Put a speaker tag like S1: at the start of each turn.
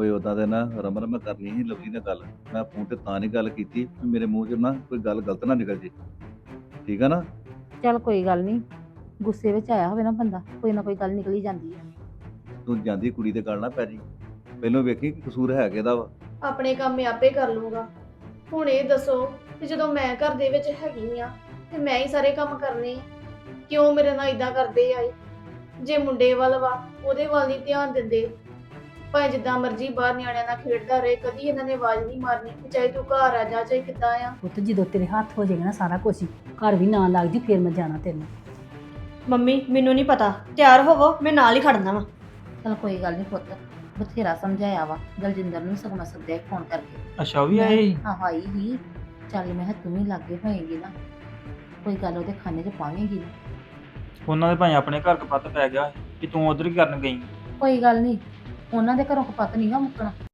S1: ਓਏ ਉਦਾਂ ਦੇ ਨਾ ਰਮਨ ਮੈਂ ਕਰਨੀ ਸੀ ਲਵਲੀ ਨਾਲ ਗੱਲ। ਮੈਂ ਫੋਨ ਤੇ ਤਾਂ ਨਹੀਂ ਗੱਲ ਕੀਤੀ ਵੀ ਮੇਰੇ ਮੂੰਹ 'ਚ ਨਾ ਕੋਈ ਗੱਲ ਗਲਤ ਨਾ ਨਿਕਲ ਜੇ। ਠੀਕ ਆ ਨਾ?
S2: ਚੱਲ ਕੋਈ ਗੱਲ ਨਹੀਂ, ਗੁੱਸੇ ਵਿੱਚ ਆਇਆ ਹੋਵੇ ਨਾ ਬੰਦਾ, ਕੋਈ ਨਾ ਕੋਈ ਗੱਲ ਨਿਕਲ ਹੀ ਜਾਂਦੀ ਹੈ।
S1: ਤੂੰ ਜਾਂਦੀ ਕੁੜੀ ਦੇ ਗੱਲ ਨਾ ਪੈ ਜੀ। ਪਹਿਲਾਂ ਵੇਖੀ ਕਿ ਕਸੂਰ ਹੈ ਕਿਹਦਾ ਵਾ।
S3: ਆਪਣੇ ਕੰਮ ਮੈਂ ਆਪੇ ਕਰ ਲੂੰਗਾ। ਹੁਣ ਇਹ ਦੱਸੋ ਕਿ ਜਦੋਂ ਮੈਂ ਘਰ ਦੇ ਵਿੱਚ ਹੈਗੀ ਆ ਤੇ ਮੈਂ ਹੀ ਸਾਰੇ ਕੰਮ ਕਰਨੇ ਆ, ਕਿਉਂ ਮੇਰੇ ਨਾਲ ਇਦਾਂ ਕਰਦੇ ਆਏ? ਜੇ ਮੁੰਡੇ ਵੱਲ ਵਾ ਉਹਦੇ ਵੱਲ ਨਹੀਂ ਧਿਆਨ ਦਿੰਦੇ, ਭਾਵੇਂ ਜਿੱਦਾਂ ਮਰਜ਼ੀ ਬਾਹਰ ਨਿਆਣਿਆਂ ਨਾਲ ਖੇਡਦਾ ਰਹੇ, ਕਦੀ ਇਹਨਾਂ ਨੇ ਆਵਾਜ਼ ਨਹੀਂ ਮਾਰਨੀ ਕਿ ਚਾਹੇ ਤੂੰ ਘਰ ਆ ਜਾ ਚਾਹੇ ਕਿੱਦਾਂ ਆ।
S2: ਪੁੱਤ ਜਦੋਂ ਤੇਰੇ ਹੱਥ ਹੋ ਜਾਏਗਾ ਨਾ ਸਾਰਾ ਕੁਝ ਹੀ, ਘਰ ਵੀ ਨਾ ਲੱਗ ਜੀ, ਫਿਰ ਮੈਂ ਜਾਣਾ ਤੈਨੂੰ।
S4: ਮੰਮੀ ਮੈਨੂੰ ਨਹੀਂ ਪਤਾ, ਤਿਆਰ ਹੋਵੋ, ਮੈਂ ਨਾਲ ਹੀ ਖੜਨਾ ਵਾ।
S2: ਚਲ ਕੋਈ ਗੱਲ ਨਹੀਂ ਪੁੱਤ, ਬਥੇਰਾ ਸਮਝਾਇਆ ਵਾ ਦਲਜਿੰਦਰ ਨੂੰ, ਸਗੋਂ ਮੈਂ ਸੱਦਿਆ ਫੋਨ ਕਰਕੇ।
S5: ਅੱਛਾ ਉਹ ਵੀ ਆਏ ਸੀ?
S2: ਹਾਂ ਆਈ ਹੀ। ਚੱਲ ਮੈਂ ਕਿਹਾ ਤੂੰ ਵੀ ਲਾਗੇ ਹੋਏਗੀ ਨਾ, ਕੋਈ ਗੱਲ ਉਹਦੇ ਖਾਨੇ 'ਚ ਪਾਵੇਂਗੀ ਨਾ।
S5: ਉਹਨਾਂ ਦੇ ਭਾਈ ਆਪਣੇ ਘਰ ਕਪੱਤ ਪੈ ਗਿਆ ਕਿ ਤੂੰ ਉਧਰ ਹੀ ਕਰਨ ਗਈ।
S2: ਕੋਈ ਗੱਲ ਨਹੀਂ, ਉਹਨਾਂ ਦੇ ਘਰੋਂ ਕਪੱਤ ਨਹੀਂ ਗਾ ਮੁੱਕਣਾ।